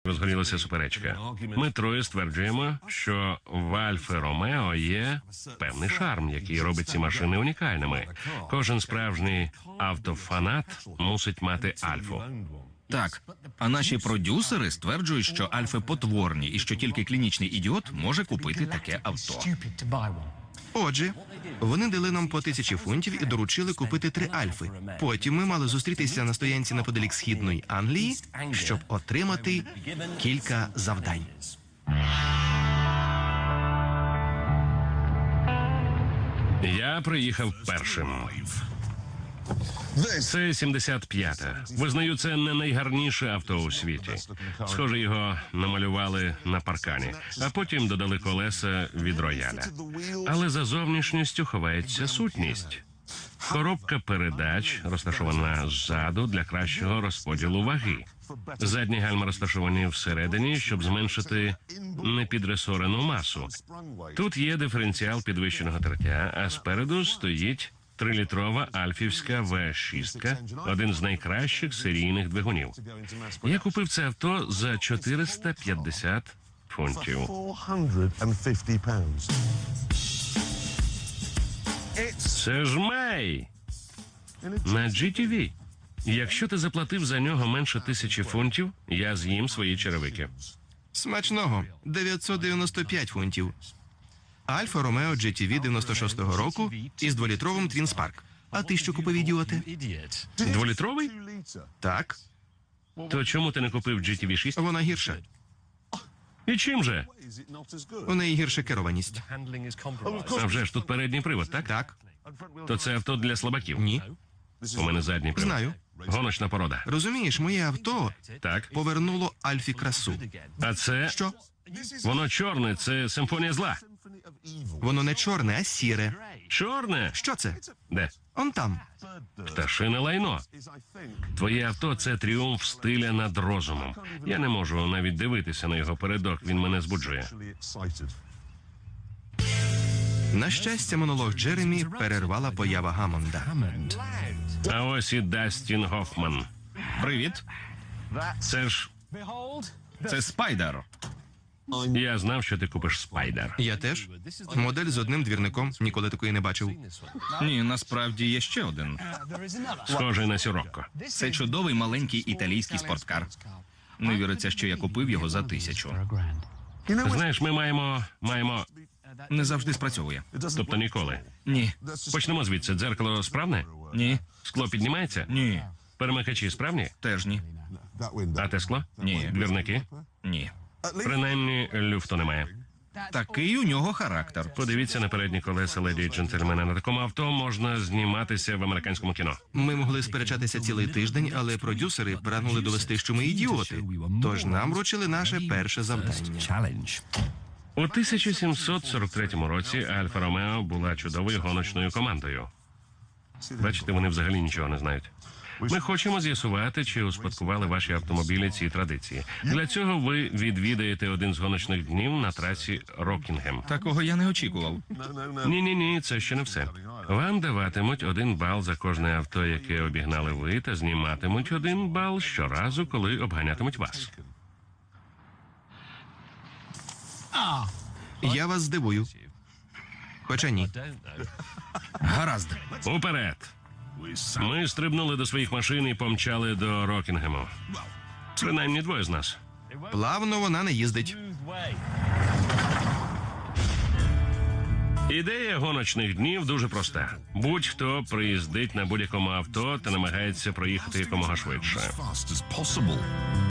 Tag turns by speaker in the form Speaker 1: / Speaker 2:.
Speaker 1: Розгорілася суперечка. Ми троє стверджуємо, що в Альфи Ромео є певний шарм, який робить ці машини унікальними. Кожен справжній автофанат мусить мати Альфу.
Speaker 2: Так, а наші продюсери стверджують, що Альфи потворні і що тільки клінічний ідіот може купити таке авто.
Speaker 3: Отже, вони дали нам по 1000 фунтів і доручили купити 3 Альфи. Потім ми мали зустрітися на стоянці неподалік Східної Англії, щоб отримати кілька завдань.
Speaker 1: Я приїхав першим. Це 75-та. Визнаю, це не найгарніше авто у світі. Схоже, його намалювали на паркані, а потім додали колеса від рояля. Але за зовнішністю ховається сутність. Коробка передач розташована ззаду для кращого розподілу ваги. Задні гальма розташовані всередині, щоб зменшити непідресорену масу. Тут є диференціал підвищеного тертя, а спереду стоїть 3-літрова альфівська V6, один з найкращих серійних двигунів. Я купив це авто за 450 фунтів. Це ж Мей! На GTV. Якщо ти заплатив за нього менше 1000 фунтів, я з'їм свої черевики.
Speaker 3: Смачного. 995 фунтів. Альфа Ромео GTV 96-го року із 2-літровим Твін Спарк. А ти що купив, ідіоте?
Speaker 1: 2-літровий?
Speaker 3: Так,
Speaker 1: То чому ти не купив GTV 6?
Speaker 3: вона гірша.
Speaker 1: І чим же?
Speaker 3: У неї гірша керованість.
Speaker 1: А вже ж тут передній привод, так?
Speaker 3: Так,
Speaker 1: То це авто для слабаків?
Speaker 3: ні.
Speaker 1: У мене задній привод.
Speaker 3: Знаю.
Speaker 1: Гоночна порода.
Speaker 3: Розумієш, моє авто
Speaker 1: Так.
Speaker 3: повернуло Альфі красу.
Speaker 1: А це...
Speaker 3: Що?
Speaker 1: Воно чорне, це симфонія зла.
Speaker 3: Воно не чорне, а сіре.
Speaker 1: Чорне?
Speaker 3: Що це?
Speaker 1: Де?
Speaker 3: Он там.
Speaker 1: Пташине лайно. Твоє авто – це тріумф стиля над розумом. Я не можу навіть дивитися на його передок, він мене збуджує.
Speaker 3: На щастя, монолог Джеремі перервала поява Гаммонда.
Speaker 1: А ось і Дастін Гофман.
Speaker 2: Привіт,
Speaker 1: Це
Speaker 2: Спайдер.
Speaker 1: Я знав, що ти купиш Спайдер.
Speaker 3: Я теж. Модель з одним двірником. Ніколи такої не бачив.
Speaker 2: Ні, насправді є ще один.
Speaker 1: Схожий на Сірокко.
Speaker 2: Це чудовий маленький італійський спорткар. Не віриться, що я купив його за 1000.
Speaker 1: Знаєш, ми маємо...
Speaker 2: Не завжди спрацьовує.
Speaker 1: Тобто ніколи.
Speaker 2: Ні,
Speaker 1: Почнемо звідси. Дзеркало справне?
Speaker 2: ні,
Speaker 1: Скло піднімається?
Speaker 2: ні,
Speaker 1: Перемикачі справні?
Speaker 2: теж ні,
Speaker 1: А те скло?
Speaker 2: Ні.
Speaker 1: Двірники?
Speaker 2: ні.
Speaker 1: Принаймні, люфту немає.
Speaker 2: Такий у нього характер.
Speaker 1: Подивіться на передні колеса, леді і джентльмени. На такому авто можна зніматися в американському кіно.
Speaker 3: Ми могли сперечатися цілий тиждень, але продюсери прагнули довести, що ми ідіоти. Тож нам вручили наше перше завдання.
Speaker 1: У 1743 році Альфа Ромео була чудовою гоночною командою. Бачите, вони взагалі нічого не знають. Ми хочемо з'ясувати, чи успадкували ваші автомобілі ці традиції. Для цього ви відвідаєте один з гоночних днів на трасі Рокінгем.
Speaker 2: Такого я не очікував.
Speaker 1: Ні, це ще не все. Вам даватимуть 1 бал за кожне авто, яке обігнали ви, та зніматимуть 1 бал щоразу, коли обганятимуть вас.
Speaker 3: Я вас здивую. Хоча ні.
Speaker 2: Гаразд.
Speaker 1: Уперед! Ми стрибнули до своїх машин і помчали до Рокінгему. Принаймні 2 з нас.
Speaker 3: Плавно вона не їздить.
Speaker 1: Ідея гоночних днів дуже проста. Будь-хто приїздить на будь-якому авто та намагається проїхати якомога швидше.